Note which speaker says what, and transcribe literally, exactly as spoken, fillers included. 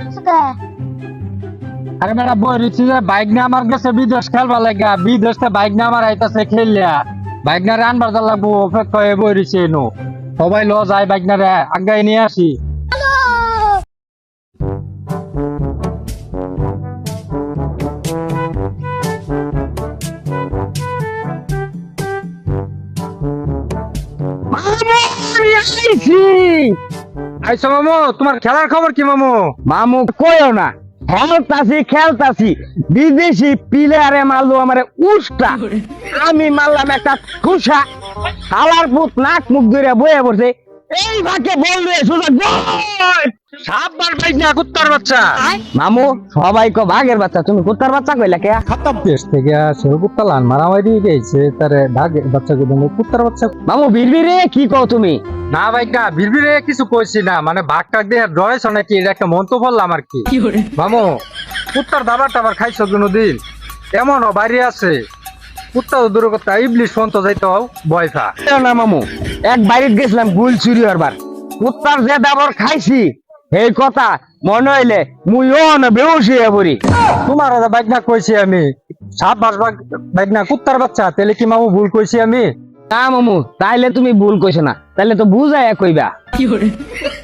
Speaker 1: আরে বেটা বই রয়েছি যে বাইক না আমার কাছে বিদেশ খেলবার লাগা বিদেশ বাইক না আমার আইতাছে খেললিয়া বাইক না রে আনবার যা লাগবো অপেক্ষা হয়ে বই রয়েছে এনো সবাই ল যায় বাইক না রে আগাই নিয়ে আসি আইসো মামু তোমার খেলার খবর কি মামু
Speaker 2: মামু কইও না খেলতাছি খেলতাছি বিদেশি প্লেয়ারে মারলো আমারে উষ্টা আমি মারলাম একটা খুশা হালার পুত নাক মুখ ধরে বয়ে পড়ছে এই ভাগে বল রে সোজা গোল
Speaker 1: সাববার বাইক না কুত্তার বাচ্চা
Speaker 2: মামু সবাই কো ভাগের বাচ্চা তুমি কুত্তার বাচ্চা কইলা কে
Speaker 1: খাতাম দেশ থেকে আসে কুত্তা লান মারামারি গেছে তারে ভাগের বাচ্চা কে বলে কুত্তার বাচ্চা
Speaker 2: মামু বিড়বিড়ে কি কও তুমি
Speaker 1: না ভাই না বিড়বিড়ে কিছু কইছি না মানে ভাগ টাক দিয়ে ডরাইছ নাকি এটা একটা মন তো বললাম আর কি মামু কুত্তার দাবার টাবার খাইছো কোনোদিন এমনও বাইরে আছে কুত্তা দূর কথা ইবলিশ ফোন যাইতে হও বয়ফা
Speaker 2: না মামু এক বাড়িতে গেছিলাম গুল চুরি হবার কুত্তার যে দাবর খাইছি এই কথা মনে হইলে মুইও না বেউস হইয়া পড়ি
Speaker 1: তোমার বাইক না কইছি আমি সাত মাস বাইক না কুত্তার বাচ্চা তাহলে কি মামু ভুল কইছি আমি
Speaker 2: না মামু তাইলে তুমি ভুল কইছো না তাইলে তো বুঝাইয়া কইবা